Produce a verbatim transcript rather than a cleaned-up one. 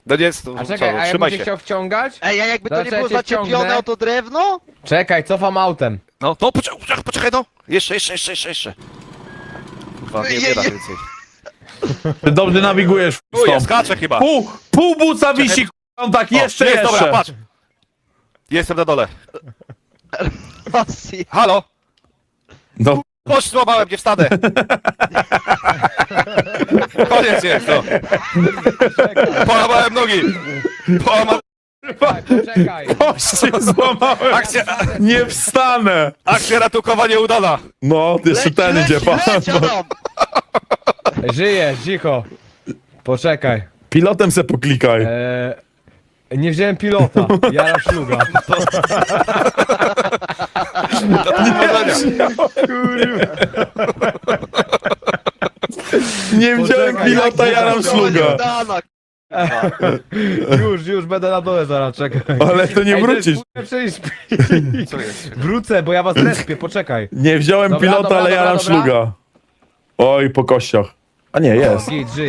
No nie jest, A czekaj, a jakbym trzymaj cię się. chciał wciągać? Ej, a jakby to Zaraz nie ja było cię zaczepione wciągnę. o to drewno? Czekaj, cofam autem. No, to poczekaj, poczekaj, poczekaj, no. Jeszcze, jeszcze, jeszcze, jeszcze, jeszcze. Kurwa, nie, nie da więcej. Ty dobrze nawigujesz. Tu ja stąd. skaczę chyba. Pół, pół buca wisi, k***a, tak, O, jeszcze, jest, jeszcze. dobra, patrz. Jestem na dole. Rosji. Halo? No, Kość złamałem, nie wstanę. Koniec jest, no. Połamałem nogi. Połamałem... Czekaj, poczekaj. kości złamałem. Akcja, Nie wstanę. akcja ratunkowa nieudana. No, jeszcze ten Leć, idzie, leć, pan. leć, Adam! Żyję, cicho. Poczekaj. Pilotem se poklikaj. Eee, nie wziąłem pilota. Jara szluga. Do powodzenia. Nie wziąłem poczekaj, pilota, jak ja nam Ratunkowa szluga. nieudana, Już, już będę na dole zaraz, czekaj. Ale to nie Ej, wrócisz. To jest, przecież... Co jest? Wrócę, bo ja was respię, poczekaj. Nie wziąłem Dobra, pilota, dobra, ale ja dobra, nam dobra. szluga. Oj, po kościach. A nie, jest. Git, żyję.